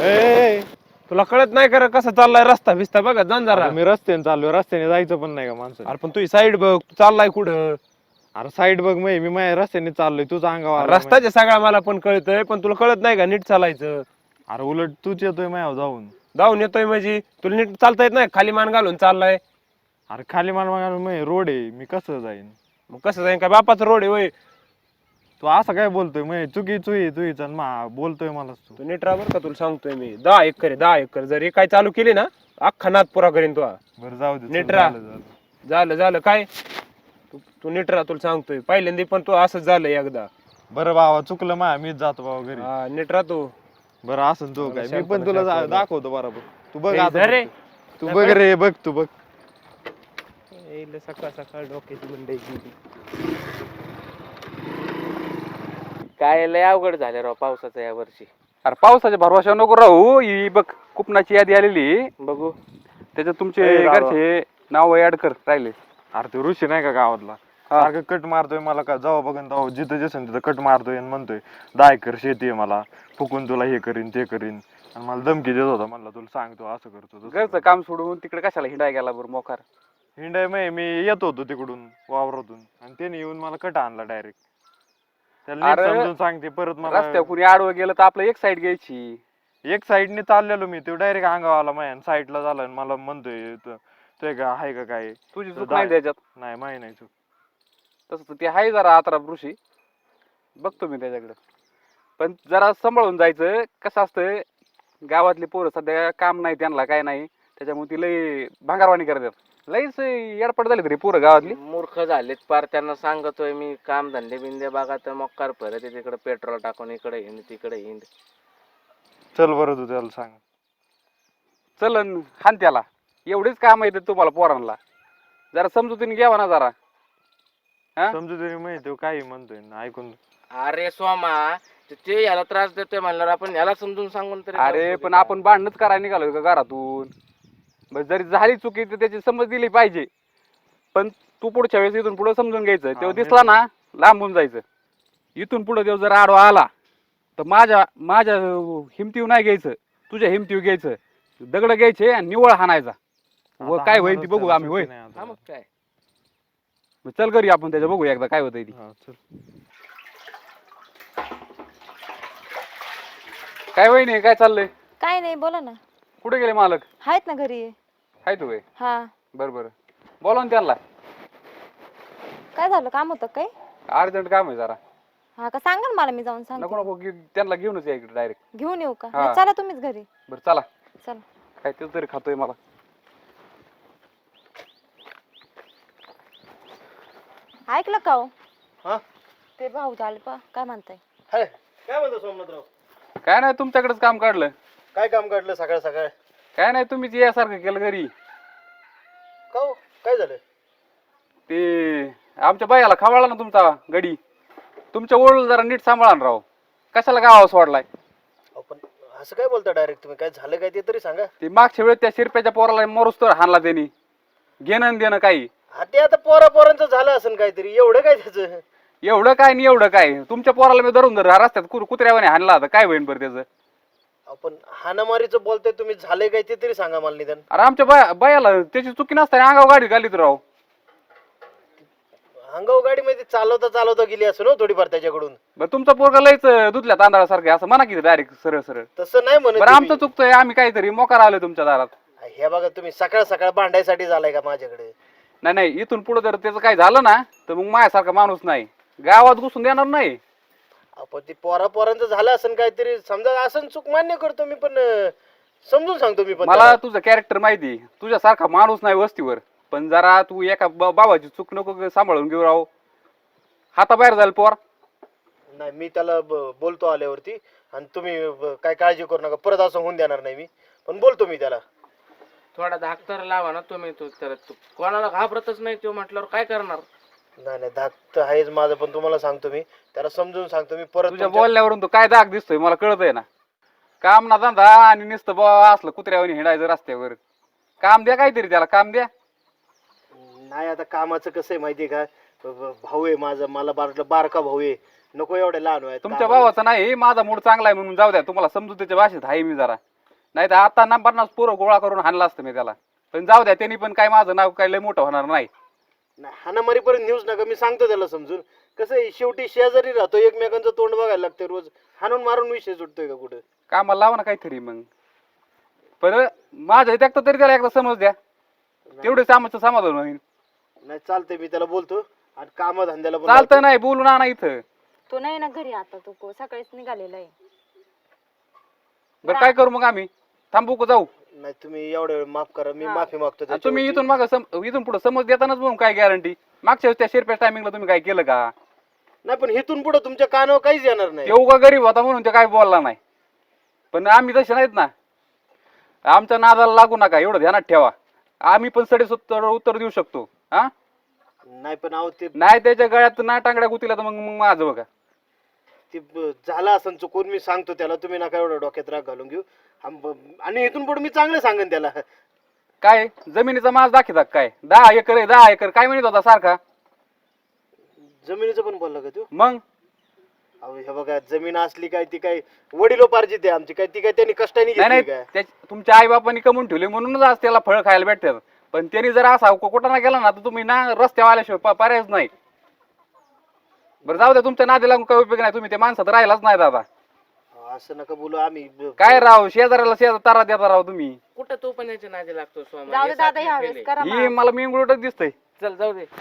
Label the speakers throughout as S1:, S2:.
S1: ए,
S2: तुला कळत नाही का रे कसा चाललाय रस्ता भिस्ता बघा जाण जरा.
S1: मी रस्त्याने चाललोय, रस्त्याने जायचं पण नाही का माणसं?
S2: अरे पण तुझी साईड बघ, तू चाललाय कुठं?
S1: अरे साईड बघ, मी माझ्या रस्त्याने चाललोय, तुझा अंगावर
S2: रस्त्याच्या सगळा मला पण कळतंय, पण तुला कळत नाही का नीट चालायचं?
S1: अरे उलट तूच येतोय माझ्यावर जाऊन.
S2: जाऊन येतोय म्हणजे तुला नीट चालता येत नाही, खाली मान घालून चाललाय.
S1: अरे खाली मला रोड आहे, मी कसं जाईन?
S2: मग कसं जाईन, काय बापाचा रोड आहे वय?
S1: तू असं काय बोलतोय? मग चुकी चुईचा बोलतोय मला तू.
S2: तू नीट राहा बरं का, तुला सांगतोय मी. 10 एकर आहे, 10 एकर. जर हे काय चालू केली ना, अख्खा नाद पुरा करीन तू.
S1: बरं जाऊ दे,
S2: नीट
S1: चल,
S2: राहा.
S1: झालं.
S2: झालं झालं काय? तू नीट राहा, तुला सांगतोय. पहिल्यांदा पण तू असंच झालं एकदा.
S1: बरं बाबा, चुकलं मीच जातो बाबा घरी.
S2: हा नीट राहा तू.
S1: बरं असं तू काय, मी पण तुला दाखवतो बरोबर. तू बघ
S2: ए,
S1: आता
S2: रे.
S1: फक्त. तू बघ रे, बघ तू बघ.
S2: सकाळ सकाळ डोक्याची मंडई गेली.
S3: काय लय अवघड झालं राव पावसाचं या वर्षी.
S4: अरे पावसाच्या भरवशा नको राहू. ही बघ कुपनाची यादी आलेली,
S3: बघू.
S4: त्याच्यात तुमचे घरचे नाव ऍड कर राहिले.
S1: अरे तो ऋषी नाही का गावातला, सारखं कट मारतोय मला. का जाऊ बघन जाऊ, जिथं जसन तिथं कट मारतोय आणि म्हणतोय 10 एकर शेती आहे मला, फुकून तुला हे करीन ते करीन. आणि मला धमकी देत होता, म्हणला तुला सांगतो असं करतो तसं
S4: घरचं काम सोडून तिकडे कशाला हिंडाय गेला बरं मोकार?
S1: हिंडाय मी येत होतो तिकडून वावरातून, आणि त्याने येऊन मला कट आणला डायरेक्ट. त्याला नीट
S4: अरे,
S1: समजून सांगते परत मला.
S4: रस्त्यावर कुणी आडवं गेलं तर आपलं एक साईड घ्यायची.
S1: एक साईडने चाललेलो मी, तो डायरेक्ट अंगावर आला माझ्या साईडला झाला आणि मला म्हणतोय ते का आहे का काय.
S4: तुझी चूक नाही त्याच्यात.
S1: नाही माही नाही चूक.
S4: तसं ते आहे जरा आतरा ऋषी, बघतो मी त्याच्याकडे. पण जरा सांभाळून जायचं. कसं असतं, गावातली पोरं सध्या काम नाही त्यांना, काय नाही, त्याच्यामुळे ती लई भांगारवाणी करतात. लईच येडपट झाली तरी पोरं गावातली.
S3: मूर्ख झालेत पार. त्यांना सांगतोय मी काम धंदे बिंदे बघा, तर मग कर परत तिकडे पेट्रोल टाकून इकडे हिंड तिकडे हिंड.
S1: चल बरं, तू त्याला सांग.
S4: चलन हान त्याला. एवढीच काम आहे तुम्हाला पोरांना, जरा समजुतीने घ्यावा ना जरा.
S1: समजू तरी माहिती तो काही म्हणतोय ना, ऐकून.
S3: अरे सोमा, ते याला त्रास देतोय म्हणल्यावर आपण याला समजून सांगून तरी.
S4: अरे पण आपण भांडणच करायला निघालो का घरातून? बस जरी झाली चुकी तर त्याची समज दिली पाहिजे. पण तू पुढच्या वेळेस इथून पुढे समजून घ्यायचं. तेव्हा दिसला ना लांबून जायचं. इथून पुढे तेव्हा जर आडवा आला तर माझ्या हिमतीव नाही घ्यायचं, तुझ्या हिमतीव घ्यायचं. दगड घ्यायचे आणि निवळ हाणायचा. व काय होईल ती बघू आम्ही. होय
S3: हा मग काय.
S4: चल घरी आपण त्याच्या बघू एकदा काय होतंय ती. काय वहिनी, काय चाललंय?
S5: काय नाही, बोला ना.
S4: कुठे गेले मालक?
S5: आहेत ना घरी.
S4: हाय तू?
S5: हा.
S4: बरं बोला ना त्यांना.
S5: काय झालं, काम होतं काय?
S4: अर्जंट काम आहे जरा.
S5: हा का, सांगा ना मला, मी जाऊन सांगते.
S4: नको त्यांना घेऊनच या इकडे डायरेक्ट.
S5: घेऊन येऊ का?
S4: हा.
S5: नाही, चला तुम्हीच घरी.
S4: बरं चला.
S5: चला.
S4: काय ते तरी खातोय मला.
S5: ऐकलं का हो?
S6: हा?
S5: ते भाऊ झाले पा, काय म्हणताय?
S6: हाय, काय म्हणतो सोमनाथराव?
S4: काय नाही, तुमच्याकडेच काम काढलं.
S6: काय काम काढलं सकाळ सकाळ?
S4: काय नाही, तुम्हीच यासारखं केलं घरी.
S6: का हो? काय झालं?
S4: ते आमच्या बायाला खवळला ना तुमचा गडी. तुमच्या ओळख जरा नीट सांभाळा ना राव. कशाला गावा सोडलाय?
S6: अहो, पण असं काय बोलता डायरेक्ट तुम्ही? काय झालं काय ते तरी सांगा.
S4: ते मागच्या वेळेस त्या शिरप्याच्या पोराला मरूस तर हाणला त्यांनी. घेणं देणं काही.
S6: हा, ते आता पोरांचं झालं असेल काहीतरी. एवढं काय त्याचं?
S4: एवढं काय नाही एवढं काय. तुमच्या पोराला मी धरून रस्त्यात कुत्र्यावाने हाणला आता, काय होईन बरं त्याचं?
S6: आपण हाणामारीचं बोलताय तुम्ही, झालंय काय ते तरी सांगा मला निदान.
S4: अरे आमच्या बायाला त्याची चुकी नसताना अंगावर गाडी घालीत राव.
S6: अंगाव गाडी मध्ये चालवता गेली असं ना थोडीफार त्याच्याकडून.
S4: बरं तुमचा पोरगा लयच दुधल्या तांदळासारखे असं म्हणा की डायरेक्ट सरळ सरळ.
S6: तसं नाही म्हणत
S4: बरं आमचं
S6: तुम्ही.
S4: चुकतंय, आम्ही काहीतरी मोकार आलोय तुमच्या दारात.
S6: हे बघा, तुम्ही सकाळ सकाळ भांडायसाठी झालाय का माझ्याकडे?
S4: नाही इथून पुढे जर त्याचं काही झालं ना तर मग माझ्यासारखा माणूस नाही गावात घुसून देणार नाही.
S6: आपण ती पोरांचं झालं असेल काहीतरी, समजा असं चूक मान्य करतो मी, पण समजून सांगतो मी. पण
S4: मला तुझं कॅरेक्टर माहिती, तुझ्यासारखा माणूस नाही वस्तीवर. पण जरा तू एका बाबाची चूक नको सांभाळून घेऊ राव. हाताबाहेर जाईल पोर.
S6: नाही, मी त्याला बोलतो आल्यावरती. आणि तुम्ही काय काळजी करू नका, परत असं होऊन देणार नाही मी. पण बोलतो मी त्याला.
S3: थोडा धाक तर लावा ना तुम्ही. तू कोणाला घाबरतच नाही तो म्हटल्यावर काय करणार?
S6: नाही धाक तर आहेच माझं, पण तुम्हाला सांगतो मी, त्याला समजून सांगतो मी. परत
S4: तुझ्या बोलण्यावरून तो काय दाग दिसतोय मला कळत आहे ना. काम ना धंदा आणि नुसतं बाबा असलं कुत्र्यावर हिंडायचं रस्त्यावर. काम द्या काहीतरी त्याला, काम द्या.
S6: नाही, आता कामाचं कसं आहे माहितीये का, भाऊ आहे माझा, मला बारका भाऊ आहे, नको एवढे लहान आहे.
S4: तुमच्या भावाचा नाही, माझा मूड चांगला आहे म्हणून जाऊ द्या. तुम्हाला समजूतीच्या भाषेत आहे मी जरा. नाही तर आता ना 50 पोरं गोळा करून हाणला असतं मी त्याला. पण जाऊ द्या, त्यांनी पण काय माझं नाव काय लय मोठं होणार नाही.
S6: हाणामारीपर्यंत न्यूज नका, मी सांगतो त्याला समजून. कसं आहे, शेवटी शेजारी राहतो, एकमेकांचं तोंड बघायला लागतं रोज. हाणून मारून विषय सुटतोय का कुठं?
S4: कामाला लावा ना काहीतरी मग. पण माझ्या इथे तरी त्याला एकदा समज द्या, तेवढेच आमचं समाधान होईल.
S6: नाही चालतंय, मी त्याला बोलतो. आणि कामधंद्याला पण
S4: चालतं नाही बोलून आणा इथं.
S5: तो नाही ना घरी आता, तो सकाळीच निघालेला आहे.
S4: बरं काय करू मग आम्ही? थांबू का जाऊ?
S6: नाही, तुम्ही एवढ्या वेळ माफ करा, मी माफी मागतो
S4: आणि तुम्ही
S6: त्याच्यावरती.
S4: इथून पुढे समज देतानाच म्हणून काय गॅरंटी? मागच्या वेळेस त्या शिरप्या टायमिंगला तुम्ही काय केलं का?
S6: नाही, पण इथून पुढे तुमच्या कानावर काहीच येणार नाही.
S4: येऊ का गरीब होता म्हणून ते काय बोलला नाही. पण आम्ही तसे नाहीत ना, आमच्या नादाला लागू नका एवढं ध्यानात ठेवा. आम्ही पण सडेसत्तर उत्तर देऊ शकतो. हा
S6: नाही, पण अहो ते
S4: नाही त्याच्या गळ्यात ना टांगड्या गुतीला तर मग माझं बघा.
S6: झालं असं चुकून, मी सांगतो त्याला. तुम्ही नका एवढं डोक्यात राग घालून घेऊ. आणि इथून पुढे मी चांगलं सांगेन त्याला.
S4: काय जमिनीचा माज दाखवतात काय? 10 एकर आहे, 10 एकर काय म्हणत होता सारखा?
S6: जमिनीचं पण बोलला का तू?
S4: मग
S6: अहो हे बघा, जमीन असली काय ती काय वडिलोपार्जित आहे आमची, काय ती काय त्यांनी कष्टाने
S4: नाही
S6: घेतली
S4: नाही
S6: काय?
S4: तुमच्या आई बापांनी कमवून ठेवले म्हणूनच आज त्याला फळ खायला भेटतात. पण त्यांनी जर असा कुठं ना गेला ना तर तुम्ही ना रस्त्यावर आल्याशिवाय पर्यायच नाही. बरं जाऊ द्या, तुमच्या नादी लागून काही उपयोग नाही. तुम्ही ते माणसात राहिलाच नाही दादा.
S6: असं नका बोलू. आम्ही
S4: काय राव, शेजाऱ्याला शेजार तारा देता राव तुम्ही.
S3: कुठं तू पण याच्या नादी लागतो स्वामा?
S5: जाऊ दे
S3: हे
S5: दादा,
S3: सारखे
S5: ह्यावेळेस
S3: केले.
S5: करा
S4: ही मला मिंगुळटच दिसतंय.
S3: चल जाऊ दे.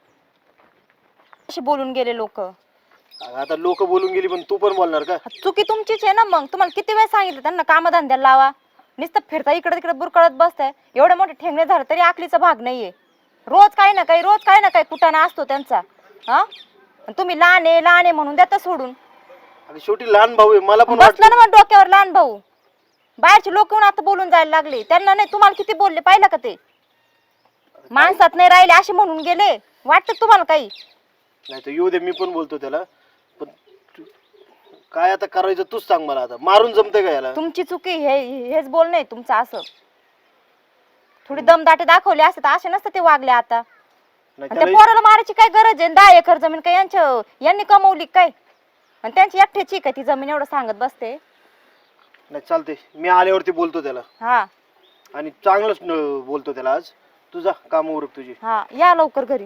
S5: अशी बोलून गेले लोक.
S6: आता लोक बोलून गेली, पण तू पण बोलणार का?
S5: चुकी तुमचीच आहे ना. मग तुम्हाला किती वेळ सांगितलं त्यांना कामधंद्याला लावा, नुसतं फिरता इकडे तिकडे बुरकळत बसताय. एवढे मोठे ठेंगणे झाले तरी आकलीचा भाग नाहीये. रोज काही ना काही कुटाणा असतो त्यांचा. हा, आणि तुम्ही लहान आहे म्हणून देता सोडून.
S6: आणि शेवटी लहान भाऊ आहे, मला पण
S5: बसलं ना मग डोक्यावर लहान भाऊ. बाहेरचे लोक येऊन आता बोलून जायला लागले. त्यांना नाही, तुम्हाला किती बोलले पाहिलं का? ते माणसात नाही राहिले असे म्हणून गेले. वाटतं तुम्हाला काही?
S6: नाही तर येऊ दे, मी पण बोलतो त्याला. पण काय आता करायचं तूच सांग मला. आता मारून जमतंय का याला?
S5: तुमची चुकी हेच बोलणं आहे तुमचं. असं थोडी दमदाटी दाखवली असते तर असे नसतं ते वागले आता.
S6: नाही
S5: आणि त्या पोराला मारायची काय गरज आहे? 10 एकर जमीन काय यांनी कमवली काय? आणि त्यांची एकट्याची काय ती जमीन? एवढं सांगत बसते.
S6: नाही चालते, मी आल्यावरती बोलतो त्याला.
S5: हा
S6: आणि चांगलंच बोलतो त्याला. आज तुझा काम उरक तुझी.
S5: हा, या लवकर घरी.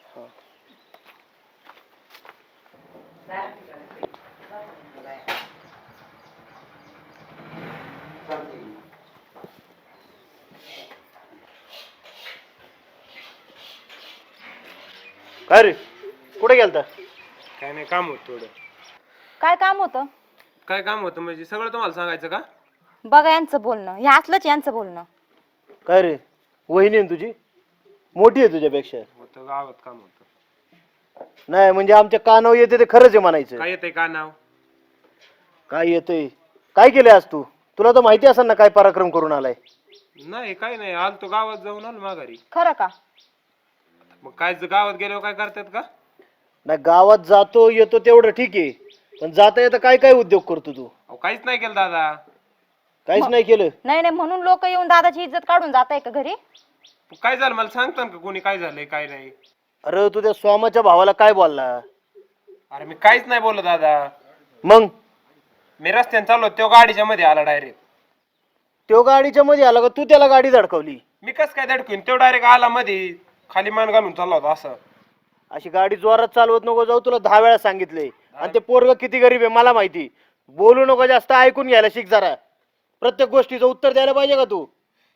S6: काय रे, कुठे गेलता?
S2: काय नाही, काम होतं थोडं.
S5: काय काम होतं?
S2: काय काम होतं म्हणजे सगळं तुम्हाला सांगायचं का?
S5: बघा यांचं बोलणं, हे असलंच यांचं बोलणं.
S6: काय रे, वहिनी आहे तुझी? मोठी आहे तुझ्यापेक्षा?
S2: होतं गावात काम होतं.
S6: नाही म्हणजे आमच्या कानावर येते ते खरंच आहे म्हणायचं.
S2: काय येतंय का नाव?
S6: काय येतंय? काय केलंय आज तू? तुला तर माहिती असेल ना काय पराक्रम करून आलाय.
S2: नाही काय नाही, आलतो गावात जाऊन आलो माघारी.
S5: खरं का?
S2: मग काय गावात गेल्यावर काय करतात का?
S6: नाही, गावात जातो येतो तेवढं ठीक आहे, पण जाता येता काय काय उद्योग करतो तू?
S2: अहो काहीच नाही केलं दादा.
S6: काहीच नाही केलं?
S5: नाही नाही म्हणून लोक येऊन दादाची इज्जत काढून जात आहे का घरी?
S2: काय झालं मला सांगता का कोणी काय झालंय काय नाही?
S6: अरे तू त्या स्वामाच्या भावाला काय बोलला?
S2: अरे मी काहीच नाही बोललो दादा.
S6: मग
S2: मी रस्त्याने चाललो, तो गाडीच्या मध्ये आला डायरेक्ट.
S6: तो गाडीच्या मध्ये आला का? तू त्याला गाडी धडकवली?
S2: मी कस काय धडकून? तो डायरेक्ट आला मध्ये, खाली मान घालून चालला होता असं.
S6: अशी गाडी जोरात चालवत नको जाऊ, तुला 10 वेळा सांगितले. आणि ते पोरग किती गरीब आहे मला माहिती. बोलू नको जास्त, ऐकून घ्यायला शिक जरा. प्रत्येक गोष्टीचं उत्तर द्यायला पाहिजे का तू?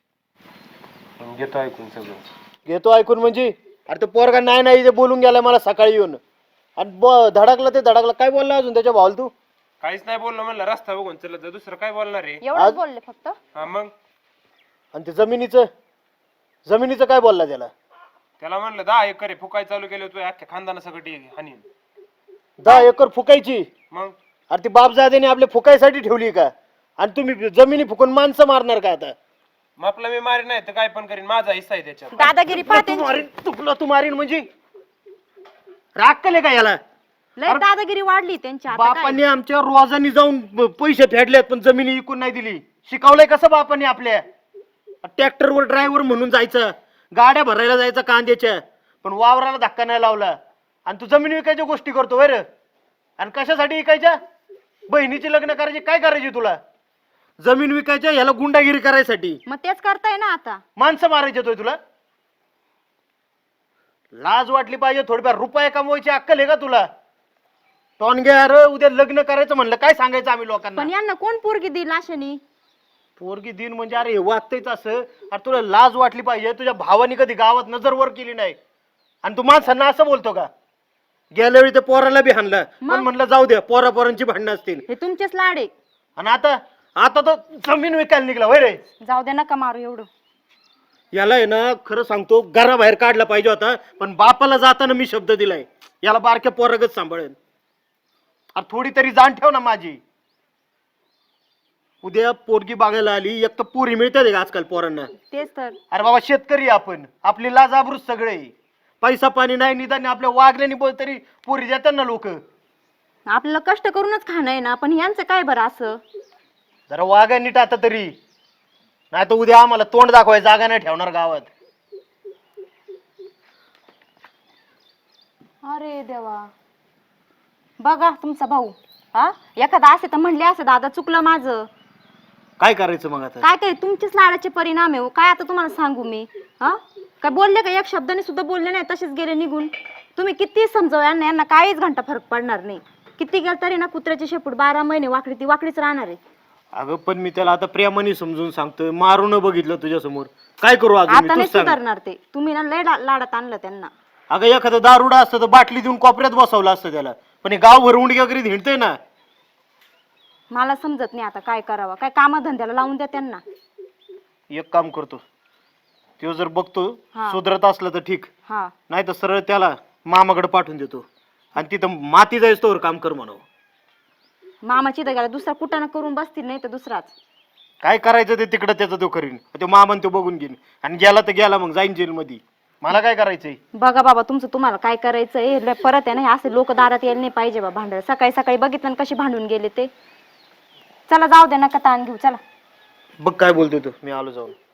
S2: घेतो ऐकून सगळं.
S6: घेतो ऐकून म्हणजे? अरे तो पोरगा नाही नाही ते बोलून गेलाय मला सकाळी येऊन. आणि धडकला ते धडकला. काय बोलला अजून त्याच्या भावाला तू?
S2: काहीच नाही बोललो, म्हणलं रस्ता बघून चलत जा, दुसरं काय बोलणार आहे?
S5: एवढंच बोलले फक्त?
S2: हा मग
S6: आणि ते जमिनीचं काय बोलला त्याला?
S2: त्याला म्हणलं 10 एकर फुकाय चालू केलं तू अख्ख्या खानदाना सगळं हानी.
S6: 10 एकर फुकायची?
S2: मग
S6: अरे ती बापजादेने आपल्या फुकायसाठी ठेवली का? आणि तुम्ही जमिनी फुकून माणसं मारणार का आता?
S2: मग आपलं मी मारी नाही तर काय पण करीन, माझा हिस्सा आहे त्याच्यात.
S5: दादागिरी पाहते.
S6: तू मारीन म्हणजे? राग केले का याला?
S5: लय दादागिरी वाढली त्यांची आता. काय?
S6: बापांनी आमच्या रोजानी जाऊन पैसे फेडलेत पण जमिनी विकून नाही दिली. शिकवलंय कसं बापांनी आपल्या? ट्रॅक्टरवर ड्रायव्हर म्हणून जायचं, गाड्या भरायला जायचं कांद्याच्या, पण वावराला धक्का नाही लावला. आणि तू जमीन विकायच्या गोष्टी करतो वर. आणि कशासाठी विकायच्या? बहिणीची लग्न करायची काय करायची तुला? जमीन विकायच्या ह्याला गुंडागिरी करायसाठी
S5: मग तेच करताय ना आता.
S6: माणसं मारायचे तोय तुला. लाज वाटली पाहिजे थोडीफार. रुपये कमवायची अक्कल आहे का तुला? टॉनग्या अरे उद्या लग्न करायचं म्हणलं काय सांगायचं आम्ही लोकांना?
S5: पण यांना कोण पोरगी दिली अशानी?
S6: पोरगी दिन म्हणजे अरे हे वागतंयच असं. अरे तुला लाज वाटली पाहिजे. तुझ्या भावानी कधी गावात नजर वर केली नाही आणि तू माणसांना असं बोलतो का? गेल्या वेळी ते पोराला बी हाणलं पण म्हणलं जाऊ द्या, पोरांची भांडणं असतील.
S5: हे तुमचेच लाड आहे.
S6: आणि आता आता तो जमीन विकायला निघला होय रे.
S5: जाऊ दे, नका मारू एवढं.
S6: याला आहे ना खरं सांगतो घराबाहेर काढला पाहिजे होता, पण बापाला जाताना मी शब्द दिलाय याला बारक्या पोरागत सांभाळेन. अरे थोडी तरी जाण ठेव ना माझी. उद्या पोरगी बघायला आली, एक तर पुरी मिळते का आजकाल पोरांना?
S5: तेच तर.
S6: अरे बाबा शेतकरी आपण, आपली लाज आबरूच सगळे. पैसा पाणी नाही निदान आपल्या वागल्याने तरी पोरी देतात ना लोक.
S5: आपल्याला कष्ट करूनच खाणं आहे ना, पण यांचं काय बरं असं?
S6: जरा वागा नीट आता तरी, नाही तर उद्या आम्हाला तोंड दाखवाय जागा नाही ठेवणार गावात.
S5: अरे देवा, बघा तुमचा भाऊ. हा, एखादा असे तर म्हणले असं दादा चुकलं माझं.
S6: काय करायचं मग आता?
S5: काय काय तुमचेच लाडाचे परिणाम आहे हो. काय आता तुम्हाला सांगू मी? हा, काय बोलले का? एक शब्दाने सुद्धा बोलले नाही, तसेच गेले निघून. तुम्ही किती समजाव यांना काहीच घंटा फरक पडणार नाही. किती गेलं तरी ना कुत्र्याची शेपूट 12 महिने वाकडी ती वाकडीच राहणार आहे.
S6: अगं पण मी त्याला आता प्रेमाने समजून सांगतोय, मारून बघितलं तुझ्या समोर. काय करू अजून मी?
S5: आता नाही
S6: तूच सांग.
S5: सुधारणार ते. तुम्ही ना लय लाडात आणलं त्यांना.
S6: अगं एखादं दारुडा असतं तर बाटली देऊन कोपऱ्यात बसवलं असतं त्याला, पण हे गाव भर उंडक्या करीत हिंडतंय ना.
S5: मला समजत नाही आता काय करावं. काय कामधंद्याला लावून द्या त्यांना.
S6: एक काम करतो, तो जर बघतो
S5: हा.
S6: सुधरत असलं तर ठीक,
S5: हा,
S6: नाही तर सरळ त्याला मामाकडे पाठवून देतो आणि तिथं माती जायच तोवर काम कर म्हणावं.
S5: मामाची तर गेला दुसरा कुटाणा करून बसतील, नाही तर दुसराच.
S6: काय करायचं ते तिकडं त्याचं तो करीन. तो मामान तो बघून घेईन आणि गेला तर गेला, मग जाईन जेल मध्ये. मला काय करायचंय?
S5: बघा बाबा तुमचं तुम्हाला काय करायचंय. परत आहे ना हे असे लोक दारात यायला नाही पाहिजे बा भांडण. सकाळी सकाळी बघितलं ना कशी भांडून गेले ते. चला जाऊ दे, नका ताण घेऊ. चला.
S6: बघ काय बोलतोय तू. मी आलो जाऊन.